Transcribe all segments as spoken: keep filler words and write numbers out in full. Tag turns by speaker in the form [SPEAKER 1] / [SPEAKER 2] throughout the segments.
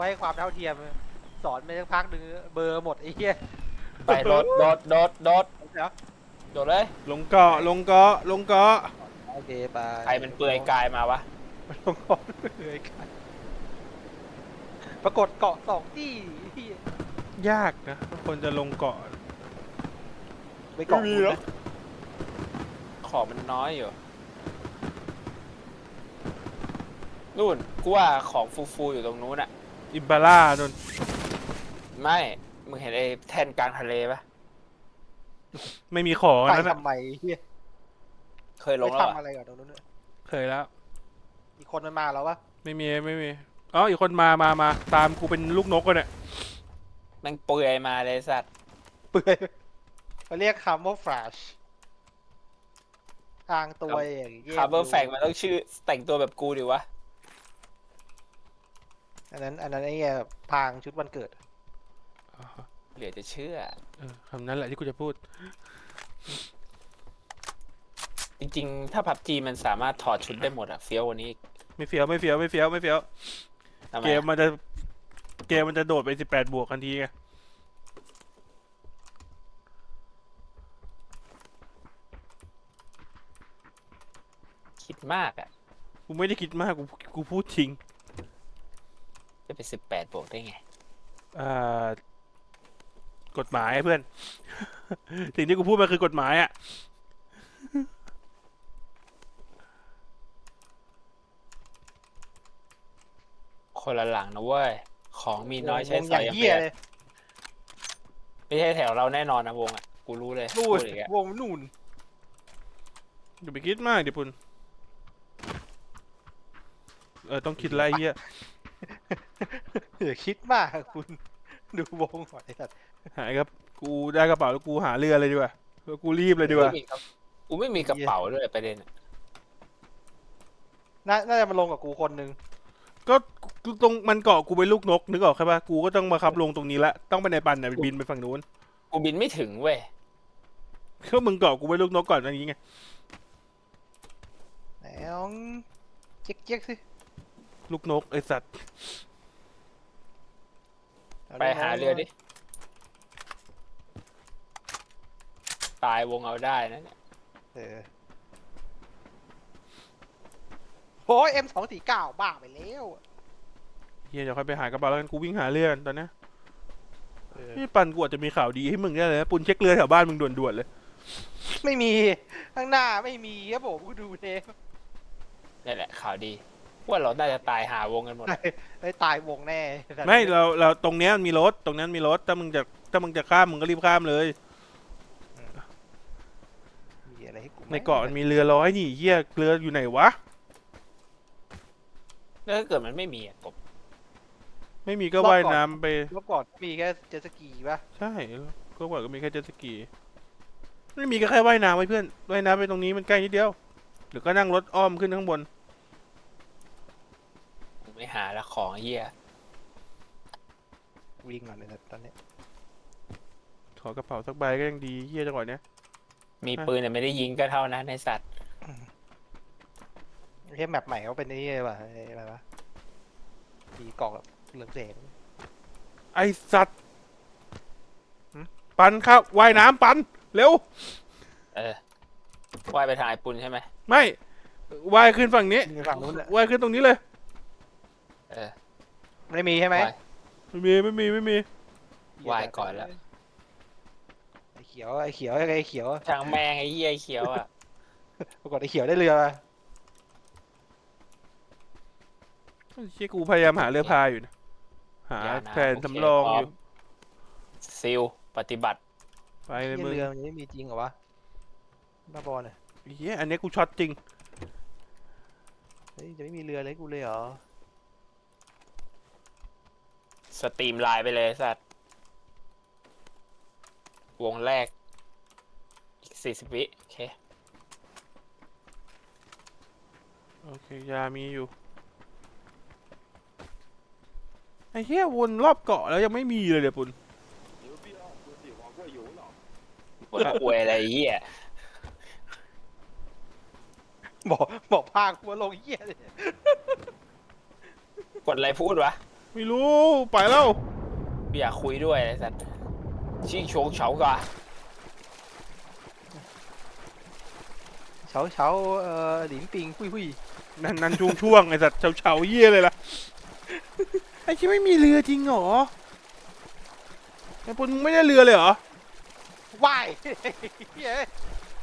[SPEAKER 1] ให้ความเท่าเทียมสอนไปสักพักหนึ่งเบอร์หมดไอ้เหี้ย
[SPEAKER 2] ไปโดดโดดโดดโดด
[SPEAKER 1] เดี๋ยว
[SPEAKER 2] โดดเลย
[SPEAKER 3] ลงเกาะลงเกาะลงเกาะ
[SPEAKER 1] โอเคไป
[SPEAKER 2] ใครมันเปลือยกายมาวะ
[SPEAKER 1] ลงเกาะเลยกันปรากฏเกาะสองที่ที่
[SPEAKER 3] ยากนะคนจะลงเกาะ
[SPEAKER 1] ไปเกาะคุณนะ
[SPEAKER 2] ของมันน้อยอยู่นู่นกูว่าของฟูๆอยู่ตรงนู้นอะ
[SPEAKER 3] อิมบาร่านน
[SPEAKER 2] ไม่มึงเห็นไอ้แท่นกลางทะเลปะ
[SPEAKER 3] ไม่มีของ
[SPEAKER 1] ไป
[SPEAKER 3] นั่นนะ
[SPEAKER 1] ทำไมเฮีย
[SPEAKER 2] เคยล
[SPEAKER 1] ไป
[SPEAKER 2] งแล้ว
[SPEAKER 1] ทำ
[SPEAKER 2] อะ
[SPEAKER 1] อะไรกับตรงนู้นเนี่ย
[SPEAKER 3] เคยแล้ว
[SPEAKER 1] อีกคนมันมาแล้ววะ
[SPEAKER 3] ไม่มีไม่มีอ๋ออีกคนมามามาตามกูเป็นลูกนกกันเนี่ย
[SPEAKER 2] แม่งเปลือยมาเลยสัตว์
[SPEAKER 1] เปื่อยเขาเรียกคำว่าแฟลชทางตัวอย่างเงี้ย
[SPEAKER 2] คาร์เบอร์แฟกมันต้องชื่อแต่งตัวแบบกูดิวะ
[SPEAKER 1] อันนั้นอันนั้นไอ้เหี้ยพรางชุดวันเกิด
[SPEAKER 3] อ๋อ
[SPEAKER 2] เหลือจะเชื่อ
[SPEAKER 3] เออคำนั้นแหละที่กูจะพูด
[SPEAKER 2] จริงๆ ถ้าพับจีมันสามารถถอดชุดได้หมดอะเฟี้ยวกวันนี้อีก
[SPEAKER 3] ไม่เฟี้ยวไม่เฟี้ยวไม่เฟี้ยวไม่เฟี้ยว
[SPEAKER 2] ทำไม
[SPEAKER 3] เกม
[SPEAKER 2] อะ
[SPEAKER 3] มันจะเกมมันจะโดดไปสิบแปดบวกทันทีไง
[SPEAKER 2] คิดมากอะ
[SPEAKER 3] กูไม่ได้คิดมากกูกูพูดจริง
[SPEAKER 2] จะไปสิบแปดบวกได้ไง
[SPEAKER 3] อ่ากฎหมายเพื่อน สิ่งที่กูพูดมาคือกฎหมายอ่ะ
[SPEAKER 2] คนละหลังนะเว้ย ของมีน้อยใช้
[SPEAKER 1] วง
[SPEAKER 2] ส
[SPEAKER 1] อ
[SPEAKER 2] อย
[SPEAKER 1] ย่าง
[SPEAKER 2] ยัง
[SPEAKER 1] เหี้
[SPEAKER 2] เปี
[SPEAKER 1] ย
[SPEAKER 2] ย
[SPEAKER 1] เลย
[SPEAKER 2] ไม่ใช่แถวเราแน่นอนนะวงอะกูรู้เลย
[SPEAKER 1] นู่
[SPEAKER 2] พู
[SPEAKER 1] น
[SPEAKER 2] ดอีกอะ
[SPEAKER 1] วงนู่น
[SPEAKER 3] อย่าไปคิดมากเดี๋ยวปุ่นเออต้องคิดไรเฮีย
[SPEAKER 1] อย่าคิดมากคุณดูวงหอยสัตว์
[SPEAKER 3] หายครับกูได้กระเป๋าแล้วกูหาเรือเลยดีกว่าแล้วกูรีบเลยดีกว่า
[SPEAKER 2] ไม่มีกระกูไม่มีกระเป๋าด้วยประเด็นอะ
[SPEAKER 1] น่าน่าจะมาลงกับกูคนหนึง
[SPEAKER 3] ก็กูตรงมันเกาะกูเป็นลูกนกนึกออกใช่ปะกูก็ต้องมาขับลงตรงนี้ละต้องไปในปันเนี่ยบินไปฝั่งนู้น
[SPEAKER 2] กูบินไม่ถึงเว้ย
[SPEAKER 3] ก็มึงเกาะกูเป็นลูกนกก่อนอันนี้ไง
[SPEAKER 1] ไหนลองเจ๊กเจ๊กสิ
[SPEAKER 3] ลูกนกไอสัตว์
[SPEAKER 1] เ
[SPEAKER 2] ไปหาเรือดิ ตายวงเอาได้นะเนี่ย
[SPEAKER 1] เออโอ้ยเอ็มสองสี่เก้าบ้าไปแล้ว
[SPEAKER 3] เฮียเดี๋ยวค่อยไปหากระเป๋าแล้วกันกูวิ่งหาเรือตอนนี้
[SPEAKER 1] เออ
[SPEAKER 3] พี่ปันกูอาจจะมีข่าวดีให้มึงได้เลยนะปุนเช็คเรือแถวบ้านมึงด่วนๆเลย
[SPEAKER 1] ไม่มีข้างหน้าไม่มีครับผมกูดูเทป
[SPEAKER 2] นี่แหละข่าวดี ว่าเราน่าจะตายหาวงกันหมดอะ
[SPEAKER 1] ได้ตายวงแน่
[SPEAKER 3] ไม่เราเราตรงเนี้ยมันมีรถตรงนั้นมีรถถ้ามึงจะถ้ามึงจะข้ามมึงก็รีบข้ามเลย
[SPEAKER 1] มีอะไรให้กูไหม
[SPEAKER 3] ในเกาะมันมีเรือร้อยนี่เฮียเรืออยู่ไหนวะ
[SPEAKER 2] แล้วถ้าเกิดมันไม่มีอะกบ
[SPEAKER 3] ไม่มีก็ว่ายน้ำไป
[SPEAKER 1] รอบก่อนมีแค่เจ็ตสกีป่ะ
[SPEAKER 3] ใช่ก็บอกก็มีแค่เจ็ตสกีไม่มีก็แค่ว่ายน้ำไว้เพื่อนว่ายน้ำไปตรงนี้มันใกล้นิดเดียวหรือก็นั่งรถอ้อมขึ้นข้างบน
[SPEAKER 2] กูไม่หาละของไอ้เหี้ย
[SPEAKER 1] วิ่งก่อนเลยนะตอนนี้
[SPEAKER 3] ขอกระเป๋าสักใบก็ยังดีเฮียจังหวะเนี้ย
[SPEAKER 2] มีปืนแต่ไม่ได้ยิงก็เท่านั้นในสัตว์
[SPEAKER 1] เฮ้ยแมปใหม่เขาเป็นนี่เลยว่ะไอ้อะไรวะมีเกาะแบบเหลืองแสง
[SPEAKER 3] ไอสัตว์ปันครับว่ายน้ำปันเร็ว
[SPEAKER 2] เออว่ายไปทางไอ้ปุนใช่ไหม
[SPEAKER 3] ไม่ว่ายขึ้นฝั่งนี้
[SPEAKER 1] มีฝั่งนู้นแหละ
[SPEAKER 3] ว่ายขึ้นตรงนี้เลย
[SPEAKER 2] เออ
[SPEAKER 1] ไม่มีใช่ไหม
[SPEAKER 2] ว่าย
[SPEAKER 3] ไม่มีไม่มีไม่มี
[SPEAKER 2] ว่ายก่อนแล้ว
[SPEAKER 1] ไอ้เขียวไอ้เขียวไอ้เขียว
[SPEAKER 2] ช่างแมงไอ้เหี้ยไอ้เขียวอ่ะ
[SPEAKER 1] ปรากฏไอ้เขียวได้เรือมา
[SPEAKER 3] เชี่ยกูพยายามหาเรือพายอยู่นะหา
[SPEAKER 2] อย่านะ
[SPEAKER 3] แผนสำรองอยู่
[SPEAKER 2] ซิลปฏิบัติ
[SPEAKER 3] ไปเลยมึง
[SPEAKER 1] เรือมันยังไม่มีจริงเหรอวะบ้าบอลเนี่ย
[SPEAKER 3] เฮียอันนี้กูช็อตจริง
[SPEAKER 1] เฮ้ยจะไม่มีเรือเลยกูเลยเหรอ
[SPEAKER 2] สตรีมไลน์ไปเลยสัตว์วงแรกอีกสี่สิบวิโอเค
[SPEAKER 3] โอเคยามีอยู่ไอ้เฮียวนรอบเกาะแล้วยังไม่มีเลยเดี๋ยวปุ่น
[SPEAKER 2] ว่าอวยอะไรไอ้เหี้ย
[SPEAKER 1] บอกบอกพากูมาลงเหี้ยเลย
[SPEAKER 2] กดอะไรพูดวะ
[SPEAKER 3] ไม่รู้ไปแล้ว
[SPEAKER 2] ไม่อยากคุยด้วยไอ้สัตว์ชิงโฉงเฉากะ
[SPEAKER 1] เฉาเฉาเอ่อหลินปิงหุยหุย
[SPEAKER 3] นั่นนั่นช่วงช่วงไอ้สัตว์เฉาเฉาเยี่ยเลยล่ะไอ้ที่ไม่มีเรือจริงเหรอไอ้ปุณมึงไม่ได้เรือเลยเหรอ
[SPEAKER 1] ว่ายเฮ้ย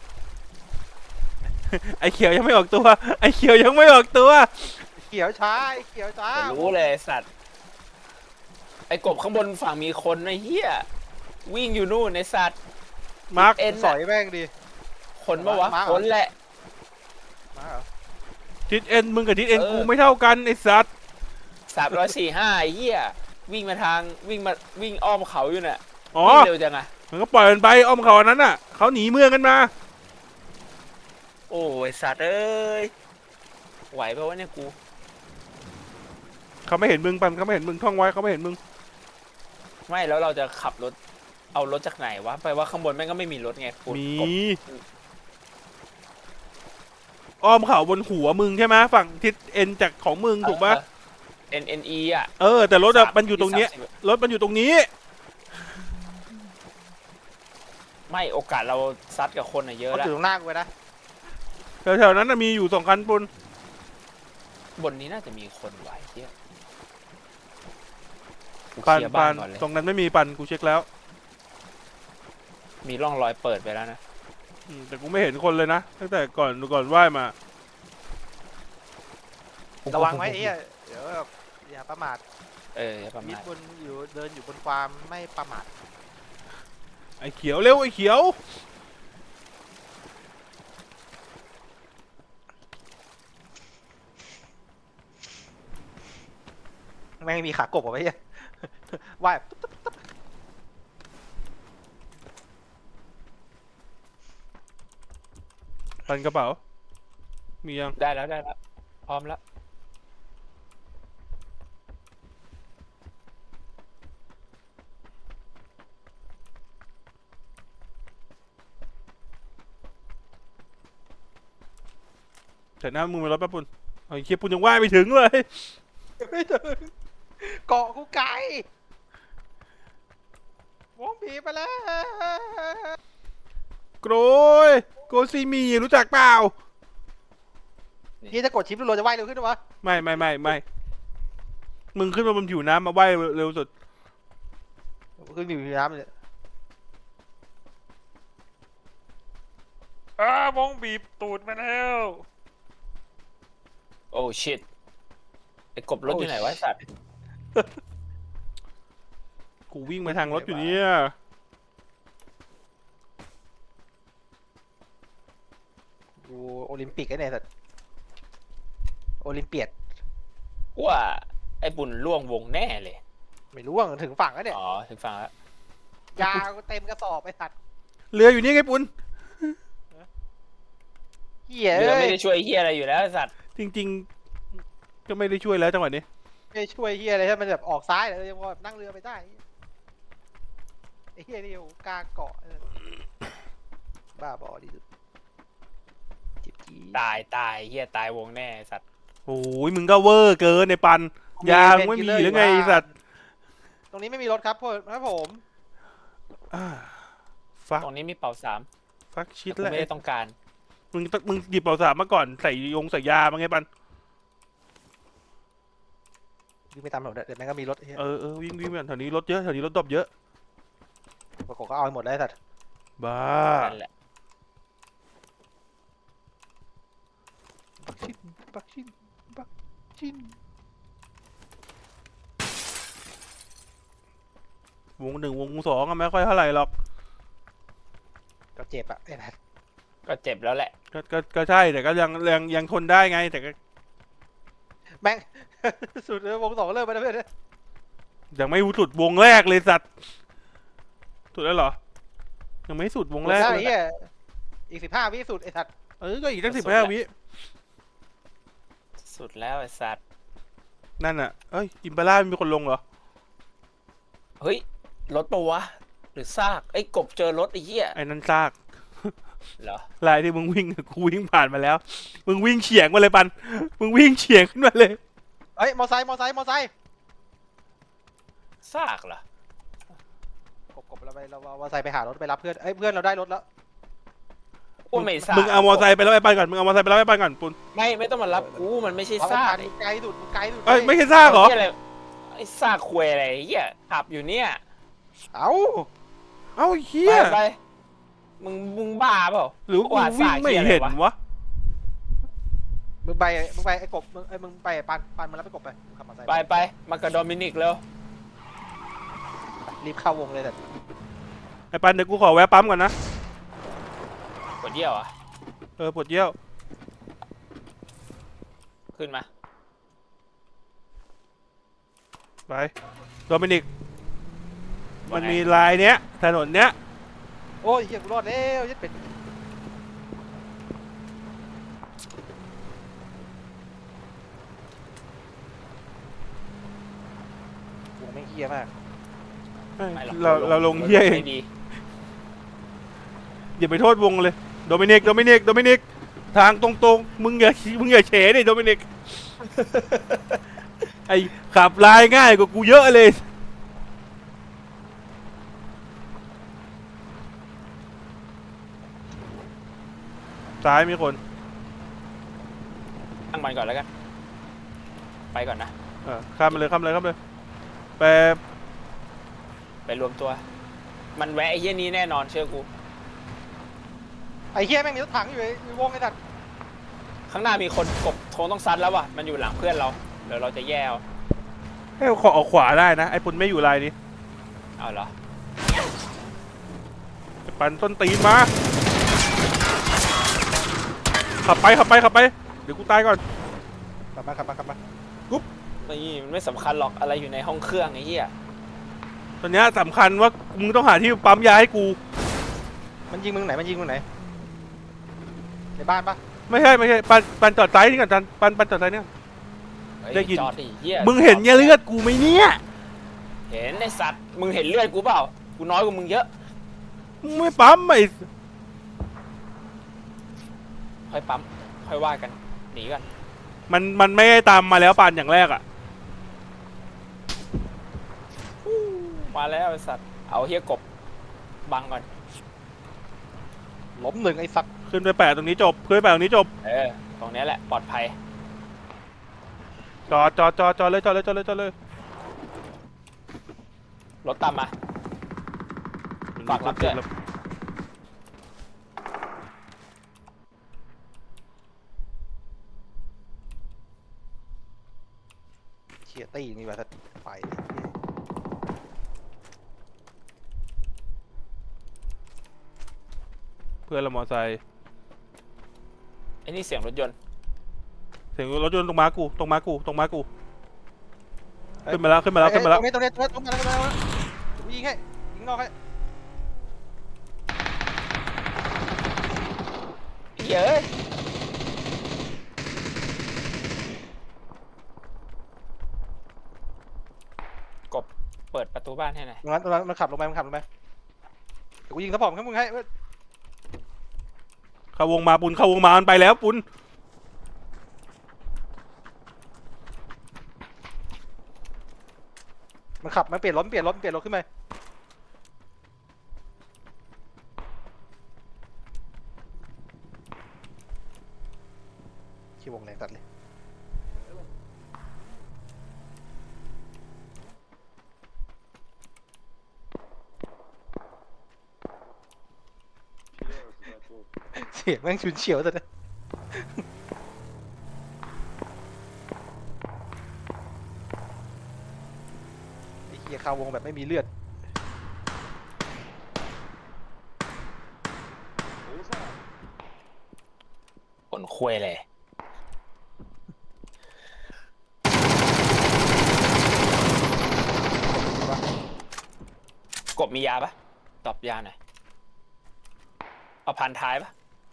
[SPEAKER 3] ไอ้เขียวยังไม่ออกตัวไอ้เขียวยังไม่ออกตัว
[SPEAKER 1] เขียวช้าไอ้เขียวช้า
[SPEAKER 2] แต่รู้เลยไอ้สัตว์ไอ้กบข้างบนฝั่งมีคนไอ้เหี้ยวิ่งอยู่นู่นไอ้สัตว์
[SPEAKER 3] มาร์ค
[SPEAKER 2] เอ็น
[SPEAKER 1] สอยแม่งดิ
[SPEAKER 2] คนปะวะ
[SPEAKER 1] มาเหรอ
[SPEAKER 2] คนแหละ
[SPEAKER 1] มาเหรอ
[SPEAKER 3] ทิศเอ็นมึงกับทิศเอ็น
[SPEAKER 2] เออ
[SPEAKER 3] กูไม่เท่ากันไอ้สัตว์
[SPEAKER 2] สามร้อยสี่ห้าไอ้เหี้ยวิ่งมาทางวิ่งมาวิ่งอ้อมเขาอยู่น่ะ
[SPEAKER 3] อ๋อ
[SPEAKER 2] วิ่งเร็วจังอะ
[SPEAKER 3] มันก็ปล่อยมันไปอ้อมเขาอันนั้นน่ะเขาหนีเมืองกันมา
[SPEAKER 2] โอ้ยสัตว์เอ้ยไหวปะวะเนี่ยกู
[SPEAKER 3] เขาไม่เห็นมึงปันเขาไม่เห็นมึงท่องไว้เขาไม่เห็นมึง
[SPEAKER 2] ไม่แล้วเราจะขับรถเอารถจากไหนวะไปว่าข้างบนแม่งก็ไม่มีรถไงกู
[SPEAKER 3] มี
[SPEAKER 2] กบ
[SPEAKER 3] อ้อมเขาบนหัวมึงใช่ไหมฝั่งทิศเอ็นจากของมึงถูกปะ
[SPEAKER 2] เอ็นเอ็นอีอ่ะ
[SPEAKER 3] เออแต่รถอะ
[SPEAKER 2] สาม
[SPEAKER 3] มันอยู่ตรงเนี้ย
[SPEAKER 2] สามสิบ
[SPEAKER 3] รถมันอยู่ตรงนี้
[SPEAKER 2] ไม่โอกาสเราซัดกับคนอะเยอะ
[SPEAKER 1] เขา
[SPEAKER 2] แล้ว
[SPEAKER 1] ถือตรงหน้ากูไว้นะ
[SPEAKER 3] แถวๆนั้นน่ะมีอยู่สองคันปุน
[SPEAKER 2] บนนี้น่าจะมีคนไหวเที่ยกู
[SPEAKER 3] ปัน
[SPEAKER 2] เคลียร์
[SPEAKER 3] ปั
[SPEAKER 2] บ้าน
[SPEAKER 3] น
[SPEAKER 2] ก่อนเลย
[SPEAKER 3] ตรงนั้นไม่มีปันกูเช็คแล้ว
[SPEAKER 2] มีร่องรอยเปิดไปแล้วนะ
[SPEAKER 3] อืมแต่กูไม่เห็นคนเลยนะตั้งแต่ก่อนก่อนไหว้มา
[SPEAKER 1] ระวังไว้ไอ้เหี้ยเดี๋ยวแบบอย่าประมาท
[SPEAKER 2] เอออย่าประ
[SPEAKER 1] มิด
[SPEAKER 2] มาท
[SPEAKER 1] บนอยู่เดินอยู่บนความไม่ประมาท
[SPEAKER 3] ไอ้เขียวเร็วไอ้เขียว
[SPEAKER 1] แม่งมีขากบเอาไว้เหี้ยว่าย
[SPEAKER 3] ปันกระเป๋า มียัง
[SPEAKER 2] ได้แล้วได้แล้วพร้อมแล้ว
[SPEAKER 3] แต่หน้ามึงมารถแป๊บปุนไอ้เคียปุนยังไหว้ไม่ถึงเลย
[SPEAKER 1] ไม่ถึงเกาะกูไกลวงผีไปแล้ว
[SPEAKER 3] โกรยโกซีมีรู้จักเปล่า
[SPEAKER 1] พี่จะกดชิปรัวๆจะว่ายเร็วขึ้นหรอวะ
[SPEAKER 3] ไม่ไม่ไม่ไม่มึงขึ้นมาบนผิวน้ำมาไหว้เร็วสุด
[SPEAKER 1] ขึ้นอยู่ในน้ำเลย
[SPEAKER 3] อ้าวงบีบตูดมาแล้ว
[SPEAKER 2] โอ้ชิตไอ้กบรถอยู่ไหนวะไอ้สัตว์
[SPEAKER 3] กูวิ่งมาทางรถอยู่เนี่ย
[SPEAKER 1] ดูโอลิมปิกไอ้เนี่ยสัตว์โอลิมเปียด
[SPEAKER 2] ว่าไอ้บุญล่วงวงแน่เลย
[SPEAKER 1] ไม่รู้ว่าถึงฝั่งแล้วเนี่ย
[SPEAKER 2] อ๋อถึงฟังแล้ว
[SPEAKER 1] ยากูเต็มกระสอบไอ้สัตว์
[SPEAKER 3] เรืออยู่นี่ไงปุน
[SPEAKER 1] เหี้ย
[SPEAKER 2] เรือ
[SPEAKER 1] เอ้
[SPEAKER 2] ไม่
[SPEAKER 1] ย
[SPEAKER 2] ได้ช่วยเฮียอะไรอยู่แล้วไอ้สัตว์
[SPEAKER 3] จริงๆ ก็ไม่ได้ช่วยแล้วจังหวะนี้
[SPEAKER 1] ไม่ช่วยเหี้ยอะไรถ้ามันแบบออกซ้ายเลยยังพอแบบนั่งเรือไปได้ไอ้เหี้ยนี่โอ้กลางเกาะไอ้สัตว์บ้าบอดีสุดจิบจี
[SPEAKER 2] ตายตายเฮียตายวงแน่ไอ้สัตว์
[SPEAKER 3] โอ้ยมึงก็เวอร์เกินในปัน ยางไม่มีหรือไงไอ้สัตว์
[SPEAKER 1] ตรงนี้ไม่มีรถครับพ่อครับผม
[SPEAKER 3] อ่าฟัก
[SPEAKER 2] ตรงนี้มีเป่าสาม
[SPEAKER 3] ฟักชิด
[SPEAKER 2] แต่กู
[SPEAKER 3] แล้ว
[SPEAKER 2] ไม่ได้ต้องการ
[SPEAKER 3] มึงต้องมึงหยิบเป่าสามมาก่อนใส่ยงใส่ยามาไงปัน
[SPEAKER 1] วิ่งไปตามถนนเดี๋ยวแม่งก็มีรถไอ้เหี้ย
[SPEAKER 3] เออเออวิ่งวิ่งไปก่อนแถวนี้รถเยอะแถวนี้รถดรอปเยอะ
[SPEAKER 1] ปรากฏก็เอาไปหมดแล้วไอ้สัตว์
[SPEAKER 3] บ้า
[SPEAKER 2] นั่นแหละ
[SPEAKER 1] ปักชินปักชินปักชิน
[SPEAKER 3] วงหนึ่งวงสองอะไม่ค่อยเท่าไหร่หรอก
[SPEAKER 1] ก็เจ็บอะไอ้สัตว์
[SPEAKER 2] ก็เจ็บแล้วแหละ
[SPEAKER 3] ก็ก็ก็ใช่แต่ก็ยังยังยังทนได้ไงแต่ก็
[SPEAKER 1] แม่ง สุดเลยวงสองเริ่มไปแล้วเพื่อน
[SPEAKER 3] ยังไม่สุดวงแรกเลยสัตว์สุดแล้วเหรอยังไม่สุดวงแรก
[SPEAKER 1] ใช่
[SPEAKER 3] เลย
[SPEAKER 1] เหี้ยอีกสิบห้าวิสุดไอ้สัตว์
[SPEAKER 3] เออก็อีกตั้งสิบห้าวิ
[SPEAKER 2] สุดแล้วไอ้สัตว์
[SPEAKER 3] นั่นอ่ะเอ้ยอิมปาร่ามีคนลงเหรอ
[SPEAKER 2] เฮ้ยรถปะวะหรือซากไอ้กบเจอรถไอ้เหี้ย
[SPEAKER 3] ไอ้นั่นซาก
[SPEAKER 2] เหรอ
[SPEAKER 3] ลายที่มึงวิ่ง กูวิ่งผ่านมาแล้ว มึงวิ่งเฉียงมาเลยปัน มึงวิ่งเฉียงขึ้นมาเลย
[SPEAKER 1] เอ้ยมอไซค์มอไซค์มอไซค์
[SPEAKER 2] ซากเหรอก
[SPEAKER 1] บกบเราไปเราเอามอเตอร์ไซค์ไปหารถไปรับเพื่อนเอ้ยเพื่อนเราได้รถแล้ว
[SPEAKER 2] กูไม่ซาก
[SPEAKER 3] มึงเอามอไซค์ไปแล้วไอ้ปันก่อนมึงเอามอไซค์ไปแล้วไอ้ปันก่อนปุน
[SPEAKER 2] ไม่ไม่ต้องมารับกูมันไม่ใช่
[SPEAKER 1] เอา
[SPEAKER 2] ซาก
[SPEAKER 1] ไปไกลดุดไกลดุด
[SPEAKER 3] เอ้ยไม่ใช่ซากเหรอ
[SPEAKER 2] ไอ้เหี้ยอะไรไอ้ซากควยอะไรเหี้ยขับอยู่เนี่ย
[SPEAKER 1] เอ้า
[SPEAKER 3] เอ้าเฮี
[SPEAKER 2] ไป
[SPEAKER 3] ย
[SPEAKER 2] ไปมึงมึงบ้าเปล่า
[SPEAKER 3] หรือกูวิ่งไม่เห็นวะ
[SPEAKER 1] มึงไปมึงไปไอ้กบมึงไอ้มึงไปปันปันมารับไปกบไปขับมอเตอร์ไซค์
[SPEAKER 2] ไปไปมากับโดมินิกเร็ว
[SPEAKER 1] รีบเข้าวงเลยแต่
[SPEAKER 3] ไอ้ปันเดี๋ยวกูขอแวะปั๊มก่อนนะ
[SPEAKER 2] กดเยี่ยวอ่ะ
[SPEAKER 3] เออปวดเยี่ยว
[SPEAKER 2] ขึ้นมา
[SPEAKER 3] ไปโดมินิกมันมีลายเนี้ยถนนเนี้ย
[SPEAKER 1] โอ้ยเฮียกูรอดแล้วยัดเป็ดวงไม่เฮียมาก
[SPEAKER 2] ไม่หรอก
[SPEAKER 3] เราเราลงเฮียเอง
[SPEAKER 2] ไม่ดี
[SPEAKER 3] อย่าไปโทษวงเลยโดมินิกโดมินิกโดมินิกทางตรงๆมึงอย่ามึงอย่าเฉดิโดมินิก ไอขับลายง่ายกว่ากูเยอะเลยซ้ายมีคน
[SPEAKER 2] ตั้งมันก่อนแล้วกันไปก่อนนะ
[SPEAKER 3] เออข้ามไปเลยข้ามไปเลยข้ามไปเลยไป
[SPEAKER 2] ไปรวมตัว มันแวะไอ้เหี้ยนี้แน่นอนเชื่อกู
[SPEAKER 1] ไอ้เฮียแม่งมีรถถังอยู่ในวงไอ้สัตว์
[SPEAKER 2] ข้างหน้ามีคนกบโทงต้องซัดแล้วว่ะมันอยู่หลังเพื่อนเราเดี๋ยวเราจะแย่เอา
[SPEAKER 3] ให้ขอออกขวาได้นะไอ้ปุนไม่อยู่ลายนี้
[SPEAKER 2] เอาเหรอ
[SPEAKER 3] ไอ้ปันต้นตีนมาขับไปขับไปขับไปเดี๋ยวกูตายก่อน
[SPEAKER 1] กลับมากลับมากลับมา
[SPEAKER 2] นี่มันไม่สำคัญหรอกอะไรอยู่ในห้องเครื่องไอ้เหี้ย
[SPEAKER 3] ตอนเนี้ยสำคัญว่ามึงต้องหาที่ปั๊มยาให้กู
[SPEAKER 1] มันยิงมึงไหนมันยิงมึงไหนในบ้านปะ
[SPEAKER 3] ไม่ใช่ไม่ใช่ปันปันจอดซ้ายนี่ก่อนปันปันปันจอดซ้ายนี่ก่อน
[SPEAKER 2] เฮ้ย
[SPEAKER 3] ได้ยิน
[SPEAKER 2] จอดดิเหี้ย
[SPEAKER 3] มึงเห็นเนี่ยเลือดกูไหมเนี่ย
[SPEAKER 2] เห็นไอ้สัตว์มึงเห็นเลือดกูเปล่ากูน้อยกว่ามึงเยอะ
[SPEAKER 3] มึงไม่ปั๊มไอ้
[SPEAKER 2] ค่อยปั๊มค่อยว่ากันหนีกัน
[SPEAKER 3] มันมันไม่ได้ตามมาแล้วปันอย่างแรกอ่ะ
[SPEAKER 2] มาแล้วไอ้สัตว์เอาเหี้ยกบบังก่อน
[SPEAKER 1] ล้มหนึ่งไอ้สัตว์
[SPEAKER 3] ขึ้นไปแปะตรงนี้จบขึ้นไปแปะตรงนี้จบ
[SPEAKER 2] เออตรงเนี้ยแหละปลอดภัย
[SPEAKER 3] จอดจอดจอดจอดเลยจอดเลยจอดเลยจอดเลย
[SPEAKER 2] รถตามมา ฝากรับด้วย
[SPEAKER 1] เชียตี้นี่ว่ะสัตว์ไปเลย
[SPEAKER 3] เพื่อนเรามอไซค์
[SPEAKER 2] ไอ้นี่เสียงรถยนต์
[SPEAKER 3] เสียงรถยนต์ตรงมากูตรงมากูตรงมากูขึ้นมาแล้วขึ้นมาแล้วขึ้นมาแล้ว
[SPEAKER 1] ตรงนี้ตรงนี้ตรงนี้ตรงนี้ตรงนี้ตรงนี้กูยิงให้ยิงนอกให้
[SPEAKER 2] เย้ยกบเปิดประตูบ้านให้หน่อย
[SPEAKER 1] ตรงนั้นตรงนั้นมันขับลงไปมันขับลงไปเดี๋ยวกูยิงสะพอมข้างมึงให้เว้ย
[SPEAKER 3] เข้าวงมาปุนเข้าวงมามันไปแล้วปุน
[SPEAKER 1] มันขับมันเปลี่ยนรถมันเปลี่ยนรถมันเปลี่ยนรถขึ้นไปขี้วงแรงตัดเลยเสียงแม่งชุนเฉียวจัดเลยไอ้เหี้ยคาวงแบบไม่มีเลือด
[SPEAKER 2] ผลควยเลยกบมียาปะตอบยาหน่อยเอาพันท้ายปะ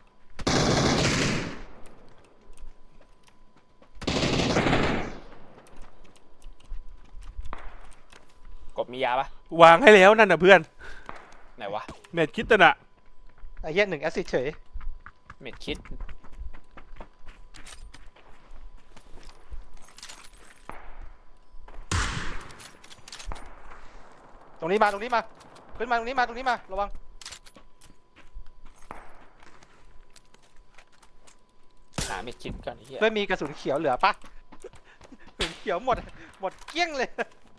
[SPEAKER 2] กบมียาปะ
[SPEAKER 3] วางให้แล้วนั่นน่ะเพื่อน
[SPEAKER 2] ไหนวะ
[SPEAKER 3] เม็ดคิดตะน่ะ
[SPEAKER 1] ไอ้เหี้ยหนึ่งแอสซิดเฉย
[SPEAKER 2] เม็ดคิด
[SPEAKER 1] รงนี้มาตรงนี้มาขึ้นมาตรงนี้มาตรงนี้มาระวัง
[SPEAKER 2] หาเม็ดคิดก่อนไอ้เหี้ย
[SPEAKER 1] เพื่อนมีกระสุนเขียวเหลือปะกระสุนเขียวหมดหมดเกลี้ยงเลย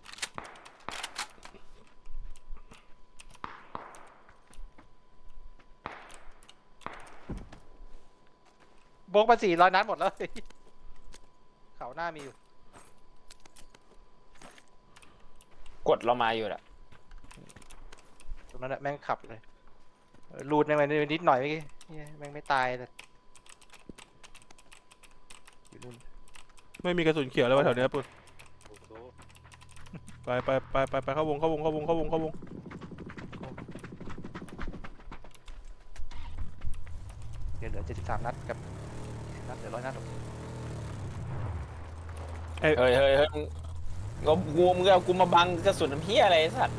[SPEAKER 1] โบกมาสี่ร้อยนัดหมดแล้วเขาหน้ามีอยู่
[SPEAKER 2] กดเรามาอยู่แหละ
[SPEAKER 1] ตรงนั้นแหละแม่งขับเลยเออรูดแม่งไปนิดหน่อยเมื่อกี้เหี้ยแม่งไม่ตายแต่อยู่นู่น
[SPEAKER 3] ไม่มีกระสุนเขียวแล้ววะแถวเนี้ยปุ่นไปไปไปไปไปเข้าวงเข้าวงเข้าวงเข้าวงเข้าวง
[SPEAKER 1] เดี๋ยวเหลือเจ็ดสิบสามนัดกับนัดเหลือร้อยนัดหรอก
[SPEAKER 2] เฮ้ยเฮ้ยเฮ้ยมึงก็กูมึงเอากูมาบังกระสุนน้ำเหี้ยอะไรไอ้สัตว์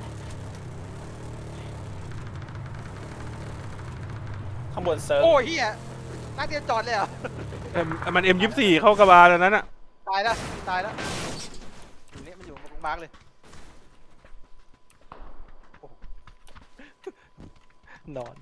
[SPEAKER 2] ข้างบนเซิร์ฟ
[SPEAKER 1] โอ้ยเฮียนัดเดียวจอดเลยเหรอ
[SPEAKER 3] เอ็มมันเอ็มยี่สิบสี่เข้ากระบาลอันนั้นอะ
[SPEAKER 1] ตายแล้วตายแล้วอยู่นี่มันอยู่ตรงมาร์กเลยโอ้โหนอน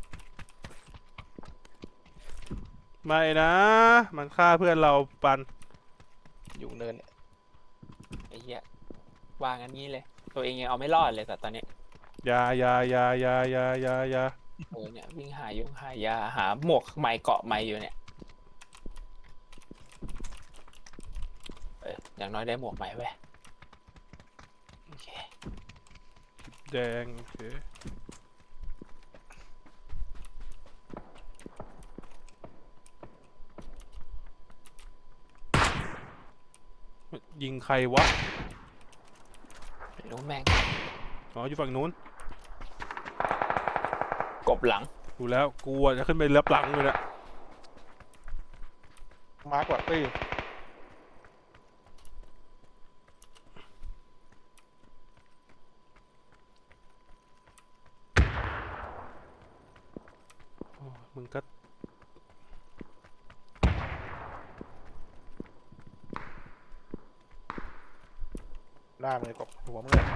[SPEAKER 3] ไม่นะ มันฆ่าเพื่อนเราปัน
[SPEAKER 1] อยู่เนินเนี่ย
[SPEAKER 2] ไอ้เหี้ยวางอันนี้เลย ตัวเองยังเอาไม่รอดเลยแต่ตอนนี้
[SPEAKER 3] อยาอยาอยาอยาอยาอยาอยา
[SPEAKER 2] เออเนี่ยวิ่งหายงหายาหาหมวกไม้เกาะไม้อยู่เนี่ยเอออย่างน้อยได้หมวกไม้ไว้ยโอเค
[SPEAKER 3] แดงโอเคยิงใครวะ
[SPEAKER 2] ไม่รู้แม่ง
[SPEAKER 3] อ๋ออยู่ฝั่งนู้น
[SPEAKER 2] กบหลัง
[SPEAKER 3] ดูแล้วกูอะจะขึ้นไปรับหลังเลยนะ
[SPEAKER 1] มาร์กว่าเอ้ย
[SPEAKER 3] โอ้มึงก็
[SPEAKER 1] หน้ามึงเลยกบหัวมึงเลย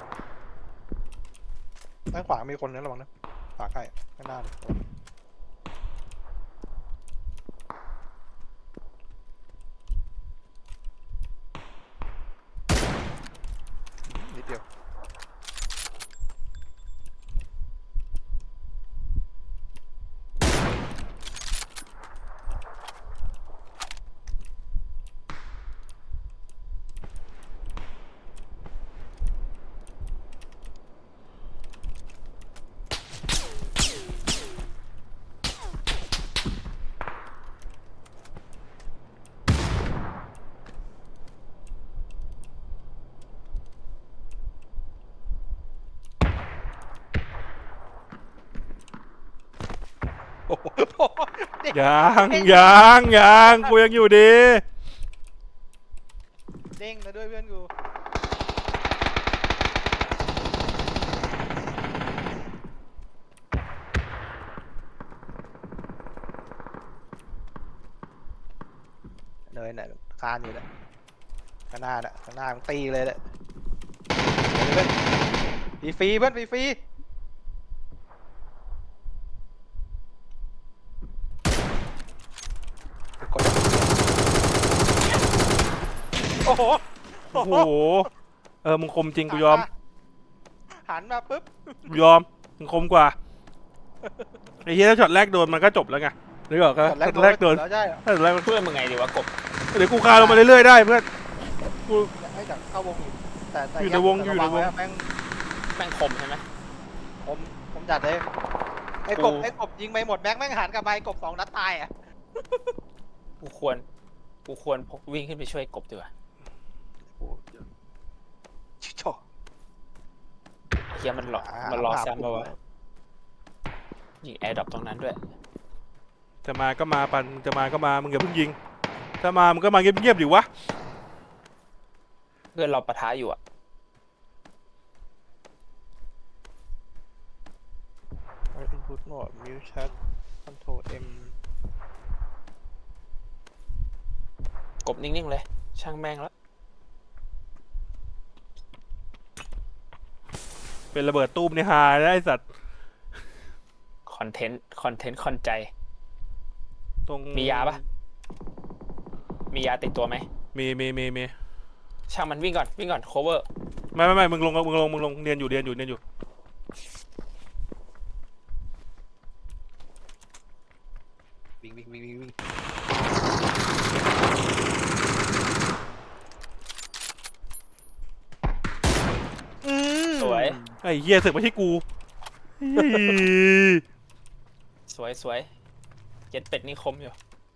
[SPEAKER 1] ด้านขวามีคนนะระวังนะขวาใกล้ข้างหน้าเลยนิดเดียวโอ้โหเด็ก
[SPEAKER 3] ยังยังยังกูยังอยู่ดี
[SPEAKER 1] เด้งมาด้วยเพื่อนกูเนยน่ะคานอยู่แหละข้างหน้าน่ะข้างหน้ามันตีเลยแหละเพื่อนฟรีๆเพื่อนฟรีๆกดโอ้โห
[SPEAKER 3] โอ้โหเออมึงคมจริงกูยอม
[SPEAKER 1] หันมาปุ๊บ
[SPEAKER 3] กูยอมมึงคมกว่าไอ้เหี้ยถ้าช็อตแรกโดนมันก็จบแล้วไงนึกออกก็ช็อตแรกโดน
[SPEAKER 1] แล้วใช่เหรอ
[SPEAKER 3] ถ้าช็อตแรก
[SPEAKER 2] เพื่อนมึงไงดีวะกบ
[SPEAKER 3] เดี๋ยวกูคาลงมาเรื่อยๆได้เพื่อนกู
[SPEAKER 1] ให้จากเข้าวงอยู่แต่แต่
[SPEAKER 3] อยู่ในวงอยู่ในวง
[SPEAKER 1] แม่ง
[SPEAKER 2] แม่งคมใช่ไหม
[SPEAKER 1] ผมผมจัดเลยไอ้กบไอ้กบยิงไปหมดแม็กแม่งหันกลับไปกบสองนัดตายอ่ะ
[SPEAKER 2] กูควรกูควรพกวิ่งขึ้นไปช่วยกบดีกว่า
[SPEAKER 1] ชิชอ
[SPEAKER 2] เฮียมันรอมันรอซ้ำปะวะยิงแอร์ดรอปตรงนั้นด้วย
[SPEAKER 3] จะมาก็มาปันจะมาก็มามึงอย่าเพิ่งยิงถ้ามามึงก็มาเงียบๆดิวะ
[SPEAKER 2] เพื่อนเราปะทะอยู่อะ
[SPEAKER 1] อินพุตโหมดมิวแชทคอนโทรลเอ็ม
[SPEAKER 2] กบนิ่งๆเลย ช่างแม่งแล้ว
[SPEAKER 3] เป็นระเบิดตู้มในฮาได้ไอ้สัตว์
[SPEAKER 2] คอนเทนต์คอนเทนต์คอนใจ
[SPEAKER 3] ตรง
[SPEAKER 2] มียาปะ มียาติดตัวไหม
[SPEAKER 3] มีมีมีมี
[SPEAKER 2] ช่างมันวิ่งก่อนวิ่งก่อน cover
[SPEAKER 3] ไม่ไม่ไม่มึงลงมึงลงมึงลงเรียนอยู่เรียนอยู่เรียนอยู่
[SPEAKER 1] วิ่งวิ่งวิ่งวิ่งวิ่ง
[SPEAKER 2] สวย
[SPEAKER 3] ไอ้เหี้ยเสือกมาที่กูเฮ้ย
[SPEAKER 2] สวยสวยเจ็ดเป็ดนี่คมอยู่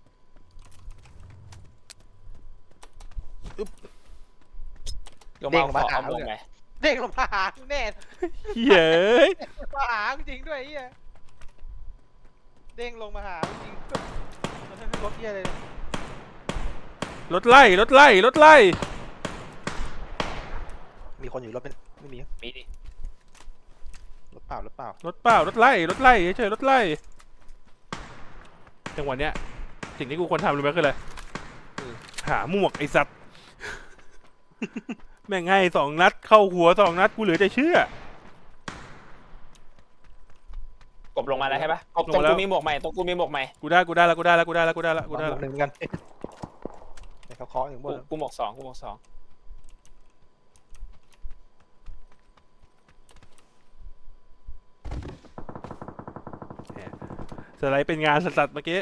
[SPEAKER 2] ลง
[SPEAKER 1] เด้
[SPEAKER 2] มาง
[SPEAKER 1] มา
[SPEAKER 2] ขอ
[SPEAKER 1] หา
[SPEAKER 2] เอาลงไหม
[SPEAKER 1] เด้งลงมาหาแน่
[SPEAKER 3] เหี้ยเอ้ย
[SPEAKER 1] มาหาจริงด้วยไอ้เหี้ยเด้งลงมาหาจริงมันไม่รถเหี้ยเลย
[SPEAKER 3] รถไล่รถไล่รถไล่
[SPEAKER 1] มีคนอยู่รถเป็นไม่มี
[SPEAKER 2] มีดิ
[SPEAKER 1] รถเปล่ารถเปล่าร
[SPEAKER 3] ถเปล่ารถไล่รถไล่เฉยๆรถไล่จังหวะเนี้ยสิ่งที่กูควรทำรู้ไหมคืออะไรหาหมวกไอ้สัตว์ แม่งให้สองนัดเข้าหัวสองนัดกูเหลือจะเชื่อก
[SPEAKER 2] บลงมาแล้วใช่ปะกบ
[SPEAKER 3] ลง
[SPEAKER 2] ตรง
[SPEAKER 3] มาแล้ว
[SPEAKER 2] กูมีหมวกใหม่ตรงกูมีหมวกใหม่
[SPEAKER 3] กูได้กูได้แล้วกูได้แล้วกูได้แล้วกูได้แล้วกูได้
[SPEAKER 1] ห
[SPEAKER 3] แล้ว
[SPEAKER 1] นึ่งเหมือนกันในเขาเคาะอยู่บ
[SPEAKER 2] กู
[SPEAKER 1] น
[SPEAKER 2] กูหมวกสองกูหมวกสอง
[SPEAKER 3] สไลด์เป็นงานสัตว์ๆเมื่อกี้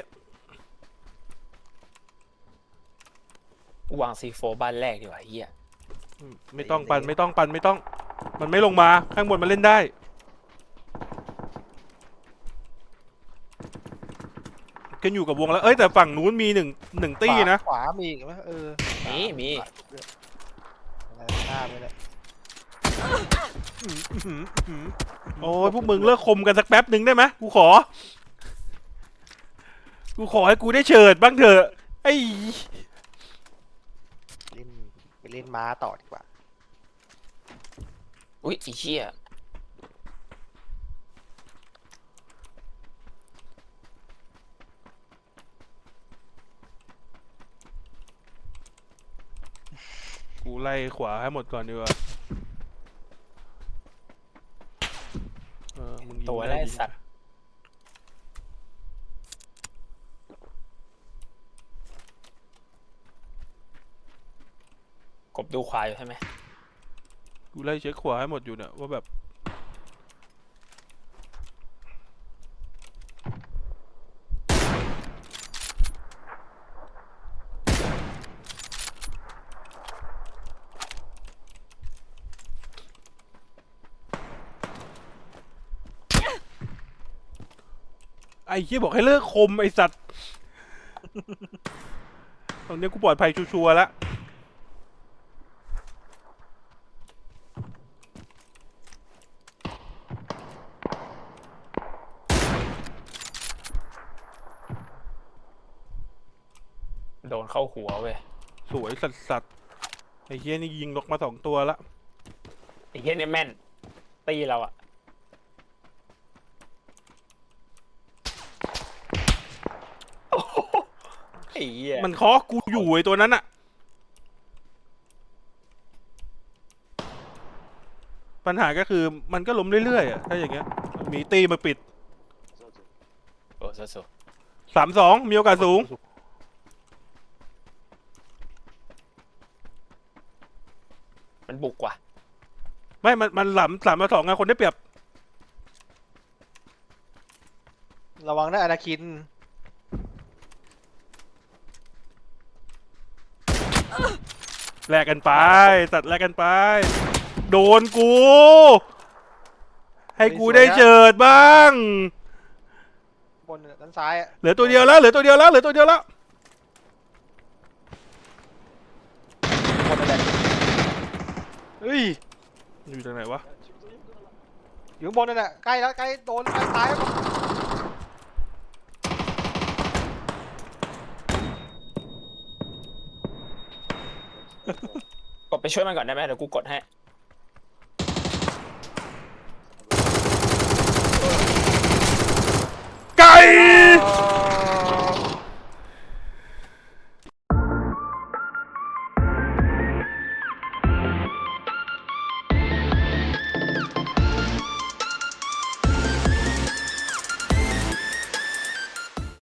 [SPEAKER 2] กูวางซีโฟบ้านแรกดีกว่าเฮีย
[SPEAKER 3] อืมไม่ต้องปันไม่ต้องปันไม่ต้อง มันไม่ลงมาข้างบนมันเล่นได้กันอยู่กับวงแล้วเอ้ยแต่ฝั่งนู้นมีหนึ่งหนึ่งตี้นะ
[SPEAKER 1] ขวามีอีกไหมเออ
[SPEAKER 2] มีมี
[SPEAKER 1] อะไรหน้าไม่ได้
[SPEAKER 3] โอ้ยพวกมึงเลิกคมกันสักแป๊บหนึ่งได้ไหมกูขอ กูขอให้กูได้เฉิดบ้างเถอะไอ้
[SPEAKER 1] เล่นไปเล่นม้าต่อดีกว่า
[SPEAKER 2] อุ้ยไอ้เหี้ย
[SPEAKER 3] กูไล่ขวาให้หมดก่อนดีกว่าเออมึงยิง
[SPEAKER 2] ตัว
[SPEAKER 3] ด้
[SPEAKER 2] แรก
[SPEAKER 3] ยิง
[SPEAKER 2] สัตว์กบดูควายอยู่ใช่ไหม
[SPEAKER 3] กูไล่เช็คขวาให้หมดอยู่เนี่ยว่าแบบ ไอ้เหี้ยบอกให้เลิกคมไอ้สัตว์ ตอนนี้กูปลอดภัยชัวร์ๆแล้ว
[SPEAKER 2] โดนเข้าหัวเว้ย
[SPEAKER 3] สวยสัตว์สัตว์ไอ้เหี้ยนี่ยิงนกมาสองตัวละ
[SPEAKER 2] ไอ้เหี้ยเนี่ยแม่นตีเราอะโอ้โหไอ้เหี้ย
[SPEAKER 3] มันเคาะกูอยู่ไอ้ตัวนั้นอะปัญหาก็คือมันก็ล้มเรื่อยๆอะถ้าอย่างเงี้ยมีตีมาปิด
[SPEAKER 2] โอ้สุด
[SPEAKER 3] สามสองมีโอกาสสูง
[SPEAKER 2] ๆมันบุกว่ะ
[SPEAKER 3] ไม่ มัน มันหลำสามต่อสองไงคนได้เปรียบ
[SPEAKER 1] ระวังนะอนาคิน
[SPEAKER 3] แลกกันไปตัดแลกกันไป โดนกู ให้กูได้เจิดบ้าง
[SPEAKER 1] บนด้านซ้ายอะ
[SPEAKER 3] เหลือตัวเดียวแล้ว เหลือตัวเดียวแล้ว เหลือตัวเดียวแล้ว
[SPEAKER 1] บนนั่นแหละเฮ้ย
[SPEAKER 3] อยู่ตรงไหนวะ
[SPEAKER 1] อยู่ข้างบนนั่นแหละใกล้แล้วใกล้โดนใกล้ตายแล้ว
[SPEAKER 2] กดไปช่วยมันก่อนได้ไหมเดี๋ยวกูกดให้